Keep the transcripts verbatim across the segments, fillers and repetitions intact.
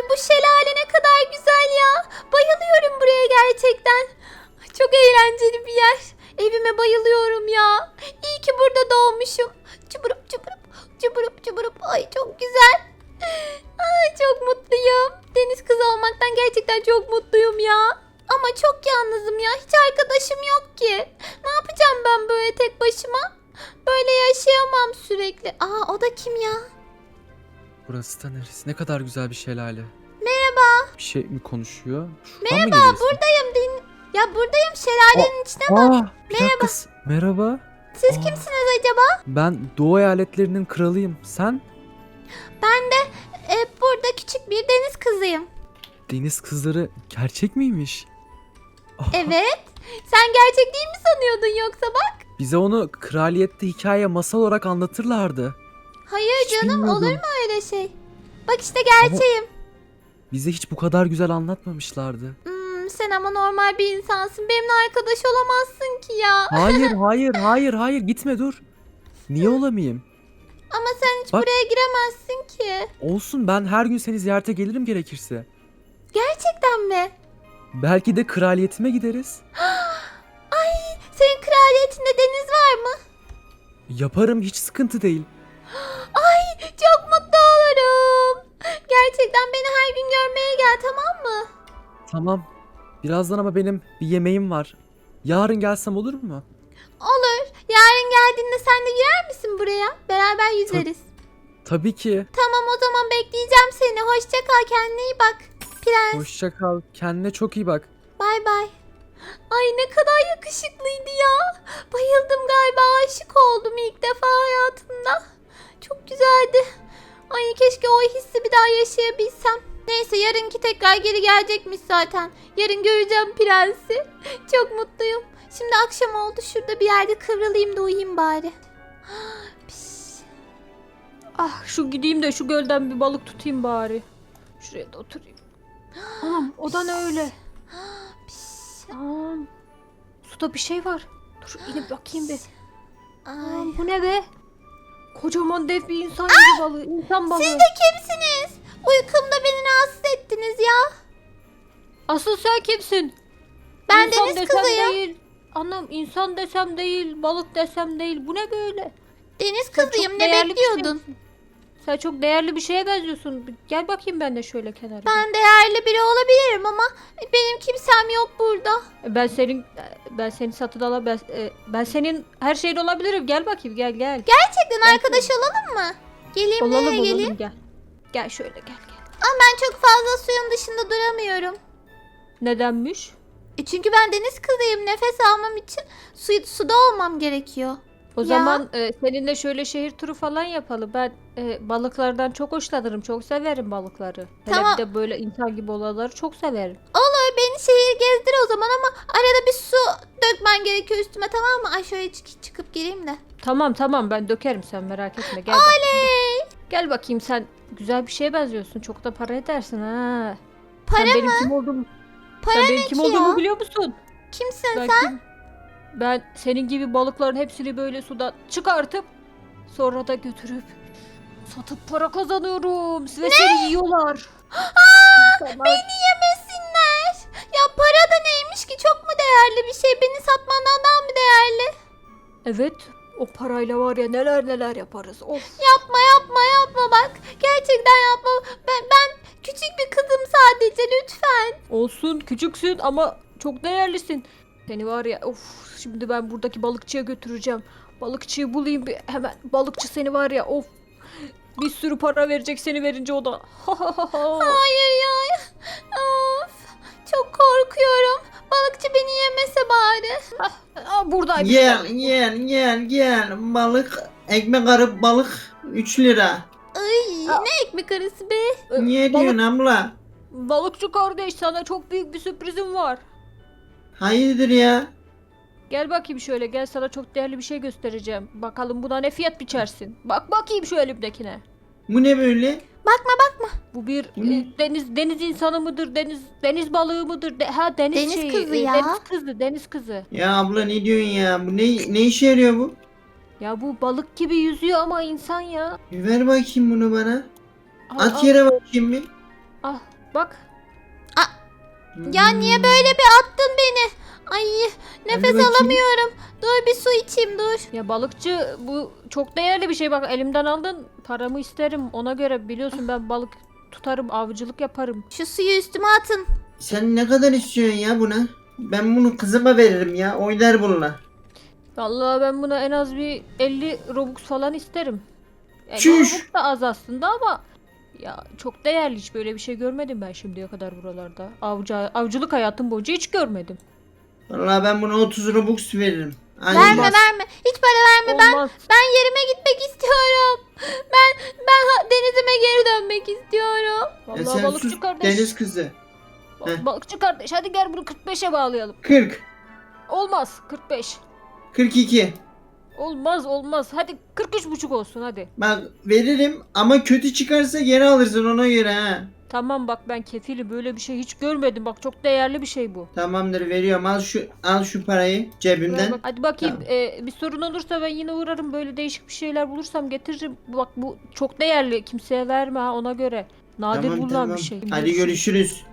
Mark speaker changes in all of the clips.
Speaker 1: bu şelale ne kadar güzel ya. Bayılıyorum buraya gerçekten. Çok eğlenceli bir yer. Evime bayılıyorum ya. İyi ki burada doğmuşum. Cıbırıp cıbırıp cıbırıp cıbırıp. Ay çok güzel. Ay çok mutluyum. Deniz kızı olmaktan gerçekten çok mutluyum ya. Ama çok yalnızım ya. Hiç arkadaşım yok ki. Ne yapacağım ben böyle tek başıma? Böyle yaşayamam sürekli. Aa o da kim ya?
Speaker 2: Burası da neresi? Ne kadar güzel bir şelale.
Speaker 1: Merhaba.
Speaker 2: Bir şey mi konuşuyor? Şuradan
Speaker 1: Merhaba
Speaker 2: mı geliyorsun?
Speaker 1: buradayım. Din ya buradayım şelalenin içine bak.
Speaker 2: Aa, bir dakika. s- Merhaba.
Speaker 1: Siz
Speaker 2: Aa.
Speaker 1: kimsiniz acaba?
Speaker 2: Ben Doğu eyaletlerinin kralıyım. Sen?
Speaker 1: Ben de e, burada küçük bir deniz kızıyım.
Speaker 2: Deniz kızları gerçek miymiş? Aa,
Speaker 1: Evet. Sen gerçek değil mi sanıyordun yoksa bak?
Speaker 2: Bize onu kraliyette hikaye masal olarak anlatırlardı.
Speaker 1: Hayır
Speaker 2: Hiç
Speaker 1: canım olur
Speaker 2: bilmiyordum.
Speaker 1: mu öyle şey? Bak işte gerçeğim.
Speaker 2: Bize hiç bu kadar güzel anlatmamışlardı.
Speaker 1: Hmm, sen ama normal bir insansın. Benimle arkadaş olamazsın ki ya.
Speaker 2: Hayır, hayır, hayır, hayır. Gitme dur. Niye olamayayım?
Speaker 1: Ama sen hiç
Speaker 2: Bak.
Speaker 1: buraya giremezsin ki.
Speaker 2: Olsun, ben her gün seni ziyarete gelirim gerekirse.
Speaker 1: Gerçekten mi?
Speaker 2: Belki de kraliyetime gideriz.
Speaker 1: Ay senin kraliyetinde deniz var mı?
Speaker 2: Yaparım, hiç sıkıntı değil.
Speaker 1: Ay çok mutlu olurum. Gerçekten beni her gün görmeye gel tamam mı?
Speaker 2: Tamam. Birazdan ama benim bir yemeğim var. Yarın gelsem olur mu?
Speaker 1: Olur. Yarın geldiğinde sen de girer misin buraya? Beraber yüzeriz.
Speaker 2: Tabii ki.
Speaker 1: Tamam o zaman bekleyeceğim seni. Hoşça kal kendine iyi bak. Prens.
Speaker 2: Hoşça kal. Kendine çok iyi bak.
Speaker 1: Bay bay. Ay ne kadar yakışıklıydı ya. Bayıldım galiba aşık oldum ilk defa hayatımda. Çok güzeldi. Ay keşke o hissi bir daha yaşayabilsem. Neyse yarınki tekrar geri gelecekmiş zaten. Yarın göreceğim prensi. Çok mutluyum. Şimdi akşam oldu şurada bir yerde kıvrılayım da uyuyayım bari. Piş.
Speaker 3: Ah şu gideyim de şu gölden bir balık tutayım bari. Şuraya da oturayım. Anam o da ne öyle?
Speaker 1: Piş.
Speaker 3: Anam. Suda bir şey var. Dur inip bakayım bir.
Speaker 1: Ay.
Speaker 3: Anam bu ne be? Kocaman dev bir insan gibi balığı. İnsan balığı.
Speaker 1: Siz de kimsiniz? Uykumda beni rahatsız ettiniz ya.
Speaker 3: Asıl sen kimsin?
Speaker 1: Ben
Speaker 3: İnsan
Speaker 1: deniz
Speaker 3: desem
Speaker 1: kızıyım.
Speaker 3: değil. Anam insan desem değil, balık desem değil. Bu ne böyle?
Speaker 1: Deniz
Speaker 3: Sen
Speaker 1: kızıyım
Speaker 3: çok
Speaker 1: ne
Speaker 3: değerli bir şey
Speaker 1: bekliyordun?
Speaker 3: misin? Sen çok değerli bir şeye benziyorsun. Bir Gel bakayım ben de şöyle kenara.
Speaker 1: Ben değerli biri olabilirim ama benim kimsem yok burada.
Speaker 3: Ben senin ben seni satın ala ben, e, ben senin her şeyin olabilirim. Gel bakayım gel gel.
Speaker 1: Gerçekten
Speaker 3: Gel
Speaker 1: arkadaş olalım mı? Geleyim
Speaker 3: Olalım
Speaker 1: nereye geleyim?
Speaker 3: olalım gel. Gel şöyle gel gel.
Speaker 1: Ama ben çok fazla suyun dışında duramıyorum.
Speaker 3: Nedenmiş?
Speaker 1: E çünkü ben deniz kızıyım. Nefes almam için su, suda olmam gerekiyor.
Speaker 3: O
Speaker 1: Ya.
Speaker 3: zaman e, seninle şöyle şehir turu falan yapalım. Ben e, balıklardan çok hoşlanırım. Çok severim balıkları.
Speaker 1: Tamam.
Speaker 3: Hele bir de böyle insan gibi olanları çok severim.
Speaker 1: Olur beni şehir gezdir o zaman ama arada bir su dökmen gerekiyor üstüme tamam mı? Ay şöyle çık- çıkıp gireyim de.
Speaker 3: Tamam tamam ben dökerim sen merak etme. Gel bakayım.
Speaker 1: Oley!
Speaker 3: Gel bakayım sen güzel bir şeye benziyorsun. Çok da para edersin ha.
Speaker 1: Para
Speaker 3: sen
Speaker 1: mı?
Speaker 3: benim kim olduğumu,
Speaker 1: Para
Speaker 3: sen
Speaker 1: ne
Speaker 3: benim kim
Speaker 1: ki
Speaker 3: olduğumu
Speaker 1: ya?
Speaker 3: biliyor musun?
Speaker 1: Kimsin
Speaker 3: Ben
Speaker 1: sen?
Speaker 3: kim? Ben senin gibi balıkların hepsini böyle sudan çıkartıp sonra da götürüp satıp para kazanıyorum. Ve seni yiyorlar. İnsanlar-
Speaker 1: Beni yemesinler. Ya para da neymiş ki çok mu değerli bir şey? Beni satmandan daha mı değerli?
Speaker 3: Evet o parayla var ya neler neler yaparız. Of.
Speaker 1: Yapma yapma yapma bak. Gerçekten yapma. Ben, ben küçük bir kızım sadece lütfen.
Speaker 3: Olsun küçüksün ama çok değerlisin. Seni var ya of şimdi ben buradaki balıkçıya götüreceğim. Balıkçıyı bulayım bir hemen. Balıkçı seni var ya of. Bir sürü para verecek seni verince o da.
Speaker 1: Hayır ya. Of. Çok korkuyorum. Balıkçı beni yemese bari.
Speaker 3: Aa, buradaymış.
Speaker 4: Gel
Speaker 3: balık.
Speaker 4: gel gel gel balık ekmek arıp balık üç lira.
Speaker 1: Ay
Speaker 3: Aa.
Speaker 1: ne ekmek arası be.
Speaker 3: Ee,
Speaker 4: Niye
Speaker 3: balık-
Speaker 4: diyorsun abla?
Speaker 3: Balıkçı kardeş sana çok büyük bir sürprizim var.
Speaker 4: Hayırdır ya?
Speaker 3: Gel bakayım şöyle gel sana çok değerli bir şey göstereceğim. Bakalım buna ne fiyat biçersin. Bak bakayım şu elimdekine.
Speaker 4: Bu ne böyle?
Speaker 1: Bakma bakma.
Speaker 3: Bu bir
Speaker 4: Bu ne?
Speaker 3: e, deniz deniz insanı mıdır? Deniz deniz balığı mıdır? De- ha deniz,
Speaker 1: Deniz
Speaker 3: şeyi,
Speaker 1: kızı
Speaker 3: e,
Speaker 1: ya.
Speaker 3: Deniz kızı, deniz kızı.
Speaker 4: Ya abla ne diyorsun ya? Bu ne ne işe yarıyor bu?
Speaker 3: Ya bu balık gibi yüzüyor ama insan ya.
Speaker 4: Bir ver bakayım bunu bana.
Speaker 3: Al,
Speaker 4: At
Speaker 3: al.
Speaker 4: yere bakayım bir.
Speaker 3: Ah bak.
Speaker 1: Ya niye böyle bir attın beni? Ay nefes
Speaker 4: bakayım.
Speaker 1: alamıyorum. Dur bir su içeyim dur.
Speaker 3: Ya balıkçı bu çok değerli bir şey, bak elimden aldın, paramı isterim ona göre, biliyorsun ben balık tutarım, avcılık yaparım.
Speaker 1: Şu suyu üstüme atın.
Speaker 4: Sen ne kadar istiyorsun ya buna? Ben bunu kızıma veririm ya. Oynar bununla.
Speaker 3: Vallahi ben buna en az bir elli robux falan isterim. Yani
Speaker 4: Çüş!
Speaker 3: robux da az aslında ama ya çok değerli, hiç böyle bir şey görmedim ben şimdiye kadar buralarda. Avcı, avcılık hayatım boyunca hiç görmedim.
Speaker 4: Vallahi ben buna otuz Robux veririm. Ay,
Speaker 1: Verme
Speaker 4: olmaz.
Speaker 1: verme. Hiç para verme. Ben
Speaker 3: Olmaz.
Speaker 1: ben yerime gitmek istiyorum. Ben ben ha- denizime geri dönmek istiyorum.
Speaker 4: Ya
Speaker 3: Vallahi
Speaker 4: sen
Speaker 3: balıkçı
Speaker 4: sus
Speaker 3: kardeş.
Speaker 4: deniz kızı.
Speaker 3: Ba-
Speaker 4: Heh.
Speaker 3: Balıkçı kardeş hadi gel bunu kırk beşe bağlayalım.
Speaker 4: kırk.
Speaker 3: Olmaz kırk beş.
Speaker 4: kırk iki.
Speaker 3: Olmaz olmaz. Hadi kırk üç buçuk olsun hadi.
Speaker 4: Bak veririm ama kötü çıkarsa geri alırsın ona göre ha.
Speaker 3: Tamam bak ben kefili, böyle bir şey hiç görmedim. Bak çok değerli bir şey bu.
Speaker 4: Tamamdır veriyorum. Al şu al şu parayı
Speaker 3: Buraya
Speaker 4: cebimden.
Speaker 3: bak. Hadi bakayım.
Speaker 4: Tamam.
Speaker 3: Ee, bir sorun olursa ben yine uğrarım. Böyle değişik bir şeyler bulursam getiririm. Bak bu çok değerli. Kimseye verme ha, ona göre. Nadir
Speaker 4: Tamam
Speaker 3: bulunan
Speaker 4: tamam.
Speaker 3: bir şey.
Speaker 4: Hadi görüşürüz.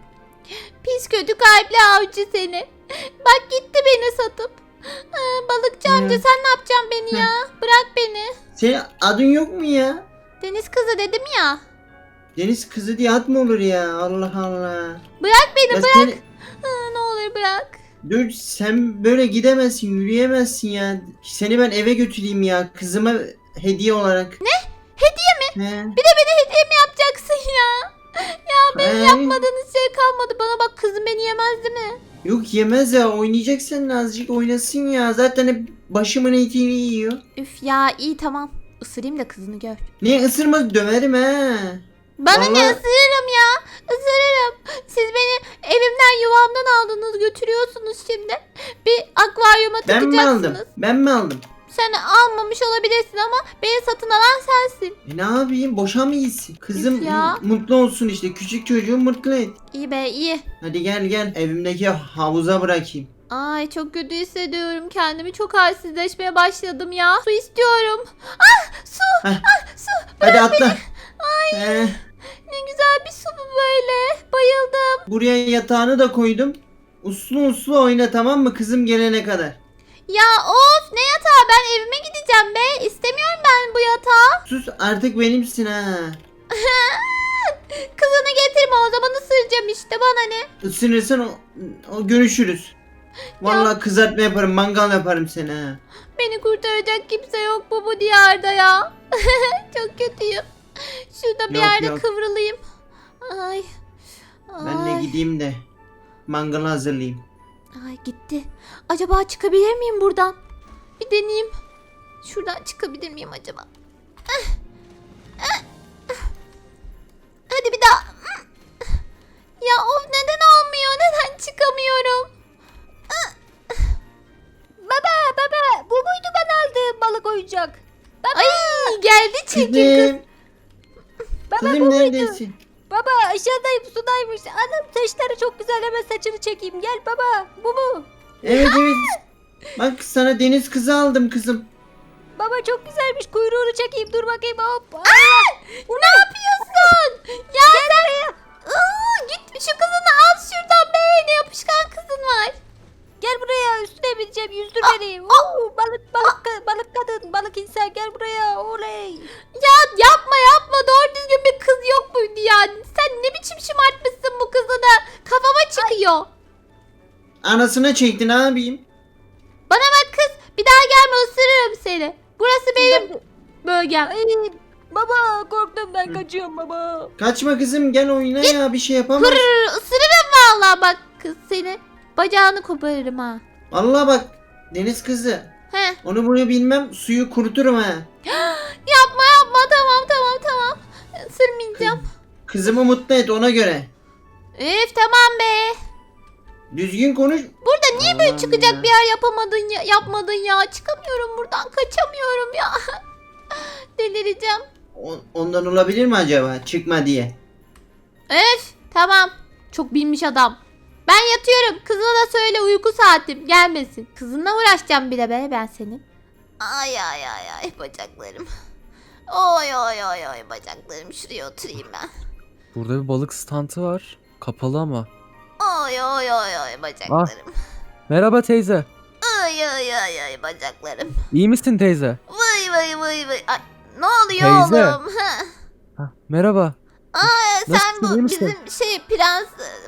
Speaker 1: Pis kötü kalpli avcı seni. Bak gitti beni satıp. Aa, balıkçı
Speaker 4: Hı.
Speaker 1: amca sen ne yapacaksın beni ya? Bırak beni.
Speaker 4: Senin adın yok mu ya?
Speaker 1: Deniz kızı dedim ya.
Speaker 4: Deniz kızı diye ad mı olur ya? Allah Allah.
Speaker 1: Bırak beni
Speaker 4: Ya
Speaker 1: bırak.
Speaker 4: seni-
Speaker 1: Aa, ne olur bırak.
Speaker 4: Dur sen böyle gidemezsin, yürüyemezsin ya. Seni ben eve götüreyim ya. Kızıma hediye olarak.
Speaker 1: Ne? Hediye mi?
Speaker 4: He.
Speaker 1: Bir de beni hediye mi yapacaksın ya? Ya benim
Speaker 4: He.
Speaker 1: yapmadığınız şey kalmadı. Bana bak kızım beni yemez değil mi?
Speaker 4: Yok yemez ya, oynayacaksan azıcık oynasın ya. Zaten hep başımın etini yiyor.
Speaker 1: Üf ya iyi tamam. Isırayım da kızını gör.
Speaker 4: Niye ısırmaz, döverim ha.
Speaker 1: Bana ne
Speaker 4: Vallahi-
Speaker 1: ısırırım ya? Isırırım. Siz beni evimden yuvamdan aldınız götürüyorsunuz şimdi. Bir akvaryuma
Speaker 4: Ben mi
Speaker 1: tıkacaksınız.
Speaker 4: aldım? Ben mi aldım?
Speaker 1: Sen almamış olabilirsin ama beni satın alan sensin.
Speaker 4: E ne yapayım, boşa mı gitsin? Kızım
Speaker 1: Üf ya.
Speaker 4: m- mutlu olsun işte. Küçük çocuğu mutlu et.
Speaker 1: İyi be iyi.
Speaker 4: Hadi gel gel, evimdeki havuza bırakayım.
Speaker 1: Ay çok kötü hissediyorum kendimi. Çok halsizleşmeye başladım ya. Su istiyorum. Ah su.
Speaker 4: Heh.
Speaker 1: Ah su.
Speaker 4: Hadi atla.
Speaker 1: Ay
Speaker 4: He,
Speaker 1: ne güzel bir su bu böyle. Bayıldım.
Speaker 4: buraya yatağını da koydum. Uslu uslu oyna, tamam mı kızım gelene kadar.
Speaker 1: Ya of ne yatağı, ben evime gideceğim be. İstemiyorum ben bu yatağı.
Speaker 4: Sus artık, benimsin ha.
Speaker 1: Kızını getirme o zaman ısıracağım işte, bana ne.
Speaker 4: Isınırsan o, o görüşürüz. Vallahi kızartma yaparım, mangal yaparım seni ha.
Speaker 1: Beni kurtaracak kimse yok mu bu diyarda ya? Çok kötüyüm. Şurada bir
Speaker 4: Yok,
Speaker 1: yerde
Speaker 4: yok.
Speaker 1: kıvrılayım. Ay.
Speaker 4: Ben de
Speaker 1: Ay.
Speaker 4: gideyim de mangalı hazırlayayım.
Speaker 1: Ay gitti. Acaba çıkabilir miyim buradan? Bir deneyeyim. Şuradan çıkabilir miyim acaba? Ah. Ah. Ah. Hadi bir daha. Ya of neden olmuyor? Neden çıkamıyorum?
Speaker 3: Baba baba bu muydu ben aldığım balık oyuncak?
Speaker 1: Ay geldi çirkin kız.
Speaker 4: Kızım,
Speaker 3: Baba bu
Speaker 4: kızım
Speaker 3: muydu?
Speaker 4: neredesin?
Speaker 3: Baba aşağıdayım, sudaymış. Anam saçları çok güzel, hemen saçını çekeyim. Gel baba, bu mu?
Speaker 4: Evet evet. Bak sana deniz kızı aldım kızım.
Speaker 3: Baba çok güzelmiş, kuyruğunu çekeyim, dur bakayım hop.
Speaker 1: Ne yapıyorsun? Ya sen... Aa, git şu kızını al şuradan be. Ne yapışkan kızın var.
Speaker 3: Gel buraya, üstüne bineceğim, yüzdür
Speaker 1: Aa,
Speaker 3: beni.
Speaker 1: aa.
Speaker 3: Oo, balık balık ka- balık kadın, balık insan, gel buraya, oley.
Speaker 1: Ya yapma yapma, doğru düzgün bir kız yok muydu ya? Sen ne biçim şımartmışsın bu kızı da. Kafama çıkıyor.
Speaker 4: Anasına çektin abim.
Speaker 1: Bana bak kız, bir daha gelme, ısırırım seni. Burası benim bölgem.
Speaker 3: Ay, baba korktum ben, kaçıyorum baba.
Speaker 4: Kaçma kızım, gel oyna ya, bir şey yapamaz.
Speaker 1: Hırr, ısırırım vallahi bak kız seni. Bacağını koparırım ha.
Speaker 4: Vallahi bak deniz kızı.
Speaker 1: He.
Speaker 4: Onu bunu bilmem, suyu kuruturum ha.
Speaker 1: Yapma yapma, tamam tamam tamam. Isırmayacağım.
Speaker 4: Kızımı mutlu et ona göre.
Speaker 1: Üf tamam be.
Speaker 4: Düzgün konuş.
Speaker 1: Burada niye böyle
Speaker 4: Allah'ım
Speaker 1: çıkacak
Speaker 4: ya.
Speaker 1: bir yer yapamadın ya, yapmadın ya. Çıkamıyorum buradan, kaçamıyorum ya. Delireceğim.
Speaker 4: O- ondan olabilir mi acaba? Çıkma diye.
Speaker 1: Öf tamam. Çok bilmiş adam. Ben yatıyorum. Kızına da söyle uyku saatim gelmesin. Kızınla uğraşacağım bir de be ben senin. Ay ay ay ay bacaklarım. Oy oy oy oy bacaklarım. Şuraya oturayım ben.
Speaker 2: Burada bir balık stantı var. Kapalı ama.
Speaker 1: Oy oy oy oy bacaklarım.
Speaker 2: Merhaba teyze.
Speaker 1: Ay ay ay ay bacaklarım.
Speaker 2: İyi misin teyze?
Speaker 1: Vay vay vay vay. Ay, ne oluyor
Speaker 2: Teyze.
Speaker 1: oğlum? Ha.
Speaker 2: Hah, merhaba.
Speaker 1: Aa, sen
Speaker 2: Nasılsın, iyi
Speaker 1: bu
Speaker 2: misin?
Speaker 1: bizim şey prens,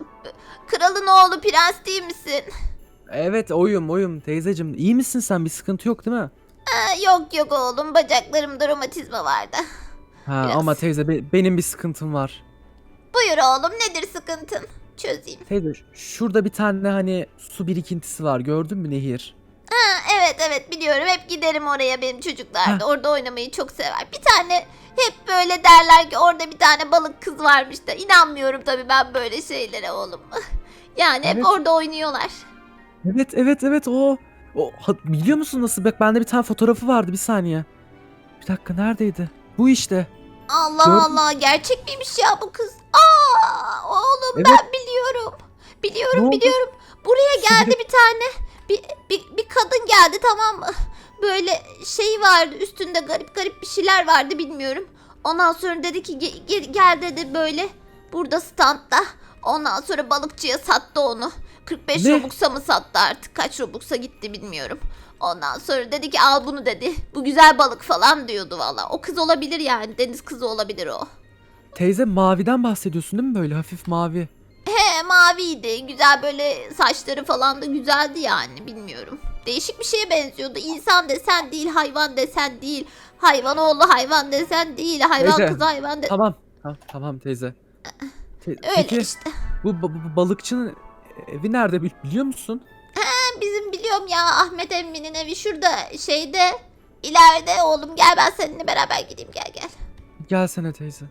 Speaker 1: kralın oğlu prens değil misin?
Speaker 2: Evet oyum oyum teyzecim. İyi misin sen? Bir sıkıntı yok değil mi?
Speaker 1: Aa, yok yok oğlum, bacaklarımda romatizma vardı.
Speaker 2: Ha
Speaker 1: Biraz.
Speaker 2: ama teyze be- benim bir sıkıntım var.
Speaker 1: Buyur oğlum, nedir sıkıntın? Çözeyim.
Speaker 2: Teyze ş- şurada bir tane hani su birikintisi var. Gördün mü nehir?
Speaker 1: Ha, evet evet biliyorum, hep giderim oraya, benim çocuklar da orada oynamayı çok sever. Bir tane hep böyle derler ki orada bir tane balık kız varmış da, inanmıyorum tabii ben böyle şeylere oğlum. Yani hep
Speaker 2: Evet.
Speaker 1: orada oynuyorlar.
Speaker 2: Evet evet evet o. O ha- biliyor musun nasıl? Bak bende bir tane fotoğrafı vardı bir saniye. Bir dakika neredeydi? Bu işte.
Speaker 1: Allah
Speaker 2: Gördün-
Speaker 1: Allah, gerçek miymiş ya bu kız? Aa oğlum,
Speaker 2: Evet.
Speaker 1: ben biliyorum.
Speaker 2: Ne
Speaker 1: Biliyorum
Speaker 2: oldu?
Speaker 1: biliyorum. Buraya
Speaker 2: Su
Speaker 1: geldi
Speaker 2: biri-
Speaker 1: bir tane. Bir, bir, bir kadın geldi, tamam mı? Böyle şey vardı üstünde, garip garip bir şeyler vardı, bilmiyorum. Ondan sonra dedi ki "Ge- ge- gel dedi böyle burada standta. Ondan sonra balıkçıya sattı onu. kırk beş
Speaker 2: Ne?
Speaker 1: Robux'a mı sattı, artık kaç Robux'a gitti bilmiyorum. Ondan sonra dedi ki al bunu dedi. Bu güzel balık falan diyordu valla. O kız olabilir yani, deniz kızı olabilir o.
Speaker 2: Teyze maviden bahsediyorsun değil mi böyle hafif mavi?
Speaker 1: He, maviydi. Güzel, böyle saçları falan da güzeldi yani, bilmiyorum. Değişik bir şeye benziyordu. İnsan desen değil, hayvan desen değil. Hayvan oğlu hayvan desen değil. Hayvan
Speaker 2: Teyze,
Speaker 1: kız hayvan de...
Speaker 2: Tamam. Tamam, tamam teyze. Te-
Speaker 1: Öyle
Speaker 2: Peki
Speaker 1: işte.
Speaker 2: bu ba- ba- balıkçının evi nerede bil- biliyor musun?
Speaker 1: Ben bizim biliyorum ya, Ahmet emminin evi şurada şeyde, ileride oğlum, gel ben seninle beraber gideyim, gel gel.
Speaker 2: Gelsene teyze.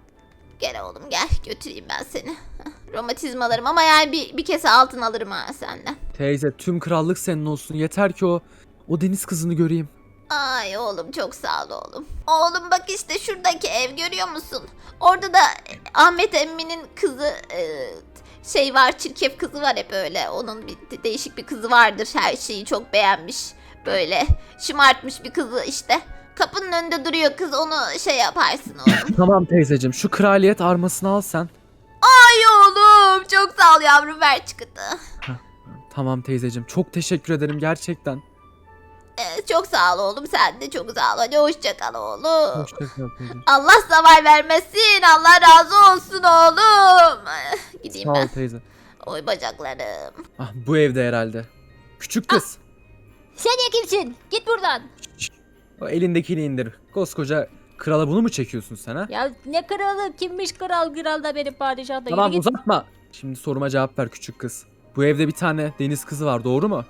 Speaker 1: Gel oğlum gel, götüreyim ben seni. Heh, romatizmalarım ama yani bir, bir kese altın alırım ha senden.
Speaker 2: Teyze tüm krallık senin olsun. Yeter ki o o deniz kızını göreyim.
Speaker 1: Ay oğlum, çok sağ ol oğlum. Oğlum bak işte şuradaki ev, görüyor musun? Orada da Ahmet emminin kızı e, şey var, çirkef kızı var hep öyle. Onun bir de- değişik bir kızı vardır, her şeyi çok beğenmiş. Böyle şımartmış bir kızı işte. Kapının önünde duruyor kız, onu şey yaparsın oğlum.
Speaker 2: Tamam teyzeciğim şu kraliyet armasını al sen.
Speaker 1: Ay oğlum, çok sağ ol yavrum, ver çıkıtı.
Speaker 2: Tamam teyzeciğim çok teşekkür ederim gerçekten.
Speaker 1: Ee, çok sağ ol oğlum, sen de çok sağ ol. Hadi hoşça kal oğlum.
Speaker 2: Hoşça kal teyze.
Speaker 1: Allah zaval vermesin. Allah razı olsun oğlum. Gideyim
Speaker 2: Sağ ol
Speaker 1: ben.
Speaker 2: teyze.
Speaker 1: Oy bacaklarım.
Speaker 2: Ah bu evde herhalde. Küçük kız.
Speaker 3: Sen ya kimsin? Git buradan.
Speaker 2: O elindekini indir. Koskoca krala bunu mu çekiyorsun sen ha?
Speaker 3: Ya ne kralı? Kimmiş kral? Kral da benim padişah da.
Speaker 2: Tamam
Speaker 3: Yürü git.
Speaker 2: uzatma. Şimdi soruma cevap ver küçük kız. Bu evde bir tane deniz kızı var doğru mu?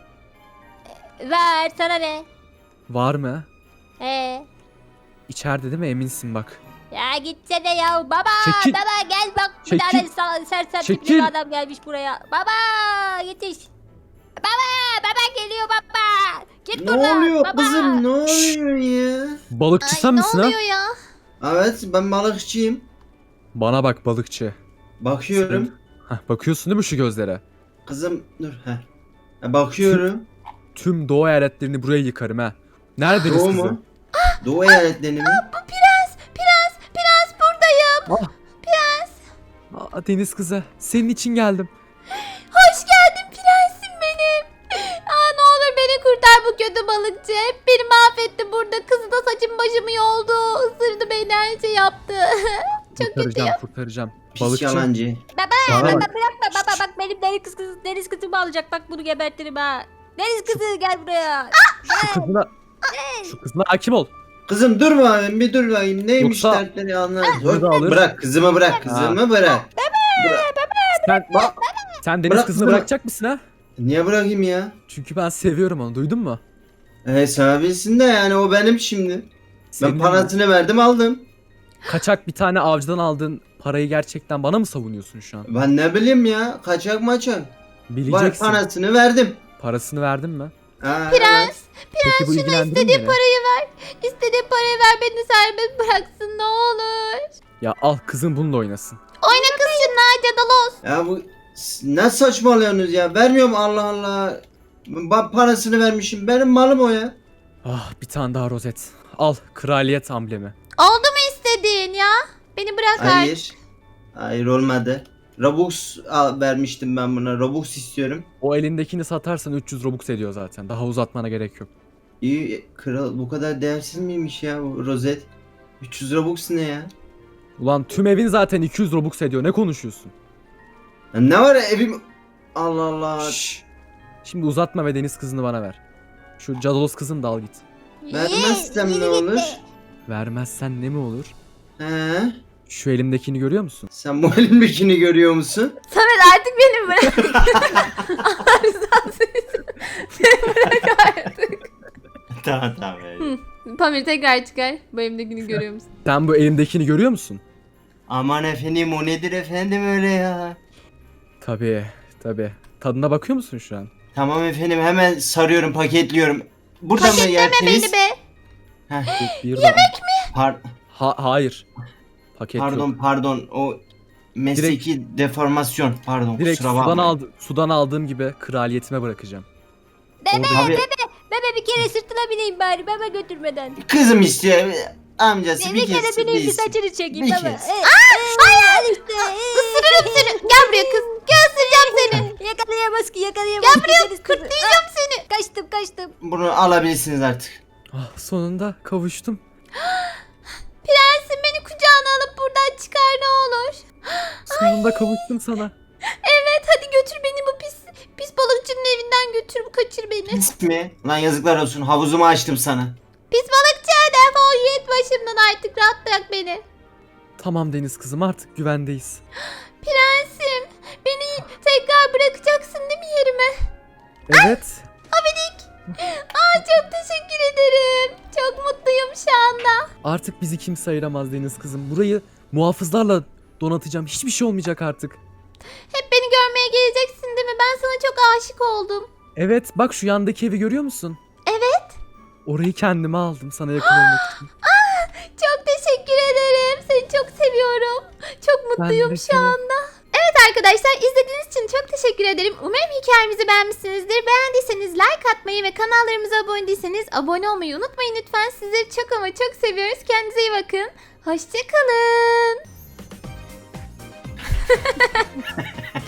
Speaker 3: Ver sana ne?
Speaker 2: Var mı?
Speaker 3: He.
Speaker 2: İçeride değil mi eminsin bak.
Speaker 3: Ya gitsene ya. Baba
Speaker 2: Çekil.
Speaker 3: baba gel bak. Bir
Speaker 2: Çekil.
Speaker 3: tane sa- sersem tipli
Speaker 2: Çekil.
Speaker 3: bir adam gelmiş buraya. Baba yetiş. Baba baba geliyor baba. Git
Speaker 4: Ne
Speaker 3: buradan.
Speaker 4: oluyor
Speaker 3: baba.
Speaker 4: kızım, ne oluyor ya?
Speaker 2: Balıkçı
Speaker 1: Ay
Speaker 2: sen
Speaker 1: ne
Speaker 2: misin ha?
Speaker 1: oluyor ya?
Speaker 4: Evet, ben balıkçıyım.
Speaker 2: Bana bak balıkçı.
Speaker 4: Bakıyorum.
Speaker 2: Hah, bakıyorsun değil mi şu gözlere?
Speaker 4: Kızım dur. Heh. Ha, bakıyorum.
Speaker 2: Tüm doğu eyaletlerini buraya yıkarım ha. Nerede deniz
Speaker 4: Doğu
Speaker 2: kızı?
Speaker 4: mu? Doğu eyaletlerini mi?
Speaker 1: Bu prens, prens, prens buradayım.
Speaker 2: Aa, deniz kızı. Senin için geldim.
Speaker 1: Hoş geldin prensim benim. Aa, ne olur beni kurtar, bu kötü balıkçı. Hep beni mahvetti burada. Kızı da saçım başımı yoldu. Isırdı beni, her şey yaptı. Çok kötü
Speaker 2: Kurtaracağım
Speaker 1: ya.
Speaker 2: kurtaracağım.
Speaker 4: Pis
Speaker 2: Balıkçı.
Speaker 4: yalancı.
Speaker 3: Baba
Speaker 2: Bana
Speaker 3: baba
Speaker 2: bak.
Speaker 3: bırakma baba bak benim deniz kızı deniz kızımı alacak bak bunu gebertirim ha. Deniz kızı gel buraya.
Speaker 2: Şu kızına, şu kızına hakim ol.
Speaker 4: Kızım dur bakayım, bir dur bakayım. Neymiş
Speaker 2: Yoksa-
Speaker 4: dertleri anlat.
Speaker 2: Kızı alır.
Speaker 4: Bırak kızımı, bırak kızımı bırak.
Speaker 2: Sen,
Speaker 4: Bak.
Speaker 2: sen deniz
Speaker 4: Bırak
Speaker 2: kızını
Speaker 4: kızımı.
Speaker 2: bırakacak mısın ha?
Speaker 4: Niye bırakayım ya?
Speaker 2: Çünkü ben seviyorum onu duydun mu?
Speaker 4: E sevebilsin de yani, o benim şimdi.
Speaker 2: Senin
Speaker 4: Ben parasını verdim aldım.
Speaker 2: kaçak bir tane avcıdan aldığın parayı gerçekten bana mı savunuyorsun şu an?
Speaker 4: Ben ne bileyim ya, kaçak maçak. Var,
Speaker 2: Bileceksin.
Speaker 4: parasını verdim.
Speaker 2: Parasını verdin mi?
Speaker 4: Ha,
Speaker 1: Prens,
Speaker 2: Peki bu ilgilendirir mi
Speaker 1: istediğin
Speaker 2: beni?
Speaker 1: parayı ver. İstediğin parayı ver, beni serbest bıraksın ne olur.
Speaker 2: Ya al kızın bununla oynasın.
Speaker 1: Oyna kız şununla, Cadalos.
Speaker 4: Ya bu ne saçmalıyorsunuz ya? Vermiyorum, Allah Allah. Ben parasını vermişim. Benim malım o ya.
Speaker 2: Ah bir tane daha rozet. Al kraliyet amblemi.
Speaker 1: Oldu mu istediğin ya? Beni bırak artık.
Speaker 4: Hayır. Hayır olmadı. Robux al, vermiştim ben buna. Robux istiyorum.
Speaker 2: O elindekini satarsan üç yüz Robux ediyor zaten. Daha uzatmana gerek yok.
Speaker 4: İyi kral bu kadar değersiz miymiş ya bu rozet? üç yüz Robux ne ya?
Speaker 2: Ulan tüm evin zaten iki yüz Robux ediyor. Ne konuşuyorsun?
Speaker 4: Ya ne var ya evim... Allah Allah.
Speaker 2: Şşş. Şimdi uzatma ve deniz kızını bana ver. Şu cadolos kızını da al git.
Speaker 4: Vermezsem ne olur?
Speaker 2: Vermezsen ne mi olur?
Speaker 4: He?
Speaker 2: Şu elimdekini görüyor musun?
Speaker 4: Sen bu elimdekini görüyor musun?
Speaker 1: Samet artık beni bırak. Allah rızası için. Beni bırak artık.
Speaker 4: Tamam tamam.
Speaker 1: Hı. Pamir tekrar çıkar. Bu elimdekini görüyor musun?
Speaker 2: Sen bu elimdekini görüyor musun?
Speaker 4: Aman efendim o nedir efendim öyle ya?
Speaker 2: Tabii, tabii. Tadına bakıyor musun şu an?
Speaker 4: Tamam efendim hemen sarıyorum paketliyorum. Burada mı
Speaker 1: Paketleme
Speaker 4: yerseniz?
Speaker 1: beni be.
Speaker 4: Heh,
Speaker 2: Bir Yemek mi?
Speaker 4: par-
Speaker 2: Ha, hayır. Paket
Speaker 4: pardon
Speaker 2: yok.
Speaker 4: pardon o mesleki deformasyon pardon
Speaker 2: Direkt
Speaker 4: kusura
Speaker 2: sudan,
Speaker 4: bakmayın.
Speaker 2: aldı, sudan aldığım gibi kraliyetime bırakacağım.
Speaker 3: Bebe
Speaker 4: Abi,
Speaker 3: bebe bir kere sırtına bineyim bari bebe götürmeden.
Speaker 4: kızım istiyor amcası
Speaker 3: Bir,
Speaker 4: bir,
Speaker 3: kere
Speaker 4: kez
Speaker 3: bineyim bir
Speaker 4: biz-
Speaker 3: saçını çekeyim
Speaker 4: bir
Speaker 3: bebe.
Speaker 4: kez.
Speaker 3: Ee, ee, işte, ee.
Speaker 1: Isırırım seni. Gel buraya kız. Gel ısıracağım seni.
Speaker 3: Yakalayamaz ki yakalayamaz.
Speaker 1: Gel buraya,
Speaker 3: Güzeliz kızı.
Speaker 1: kırtlayacağım seni.
Speaker 3: Ah, Kaçtım kaçtım.
Speaker 4: Bunu alabilirsiniz artık.
Speaker 2: Ah, sonunda kavuştum.
Speaker 1: Prensim beni kucağına alıp buradan çıkar ne olur.
Speaker 2: Sonunda kavuştum sana.
Speaker 1: Evet hadi götür beni bu pis pis balıkçının evinden götür kaçır beni.
Speaker 4: Pis mi? Lan yazıklar olsun havuzumu açtım sana.
Speaker 1: Pis balıkçı defol git başımdan artık rahat bırak beni.
Speaker 2: Tamam deniz kızım artık güvendeyiz.
Speaker 1: Prensim beni tekrar bırakacaksın değil mi yerime?
Speaker 2: Evet.
Speaker 1: Aa çok teşekkür ederim. Çok mutluyum şu anda.
Speaker 2: Artık bizi kimse ayıramaz deniz kızım. Burayı muhafızlarla donatacağım. Hiçbir şey olmayacak artık.
Speaker 1: Hep beni görmeye geleceksin değil mi? Ben sana çok aşık oldum.
Speaker 2: Evet bak şu yandaki evi görüyor musun?
Speaker 1: Evet.
Speaker 2: Orayı kendime aldım sana yakın olmak için.
Speaker 1: Çok teşekkür ederim. Seni çok seviyorum. Çok mutluyum
Speaker 2: de
Speaker 1: şu
Speaker 2: seni.
Speaker 1: anda. Evet arkadaşlar izlediğiniz için çok teşekkür ederim. Umarım hikayemizi beğenmişsinizdir. Beğendiyseniz like atmayı ve kanallarımıza abone değilseniz abone olmayı unutmayın lütfen. Sizleri çok ama çok seviyoruz. Kendinize iyi bakın. Hoşçakalın.